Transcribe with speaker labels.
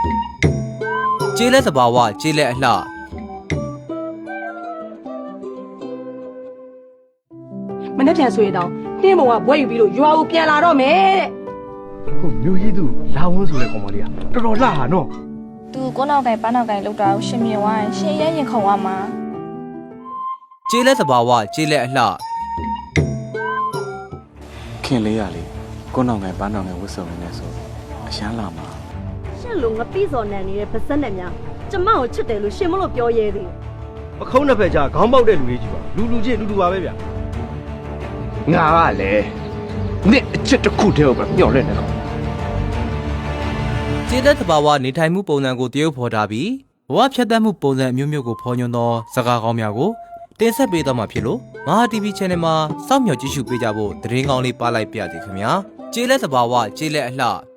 Speaker 1: ကျေးလက်သဘာဝကျေးလက်အလှ
Speaker 2: မနေ့ပြန်ဆိုရင်တော့နှင်းဘုံကဘွဲယူပြီးလို့ရွာကိုပြန်လာတော့မယ်တဲ့
Speaker 3: ဟုတ်မျိုးကြီးသူလာဝန်းဆိုတဲ့ကောင်မလေးကတော်တော်လှဟာနော်
Speaker 4: သူကိုနောက်ကိုင်ပန်းနောက်ကိုင်လောက်တာကိုရှင်မြင်သွားရင်ရှင်ရဲရင်ခုံရမှာ
Speaker 1: ကျေးလက်သဘာဝကျေးလက်အလှ
Speaker 5: ခင်လေးရလေကိုနောင်ငယ်ပန်းနောင်ငယ်ဝတ်စုံနေဆိုအရှမ်းလာမှာ
Speaker 6: ရှင့်လိုငပိစော်နန်နေတဲ့ဗစက်နဲ့များကျမကိုချစ်တယ်လို့ရှင်မလို့ပြောရဲသေး
Speaker 3: ပခုံးနှစ်ဖက်ကြားခေါင်းပေါက်တဲ့လူလေးကြီးပါလူချင်းလူပါပဲဗျငါကလည်းနှစ်အချစ်တစ်ခုတည်းကိုပဲမျှော်လင့်နေတော့
Speaker 1: ကျေးလက်သဘာဝနေထိုင်မှုပုံစံကိုတရုပ်ဖော်ထားပြီးဘဝဖြတ်သန်းမှုပုံစံအမျိုးမျိုးကိုဖော်ညွှန်းသောစကားကောင်းများကိုတင်ဆက်ပေးသွားမှာဖြစ်လို့မဟာ TV Channel မှာစောင့်မျှော်ကြည့်ရှုပေးကြဖို့သတင်းကောင်းလေးပါလိုက်ပါရစေခင်ဗျာကျေးလက်သဘာဝကျေးလက်အလှ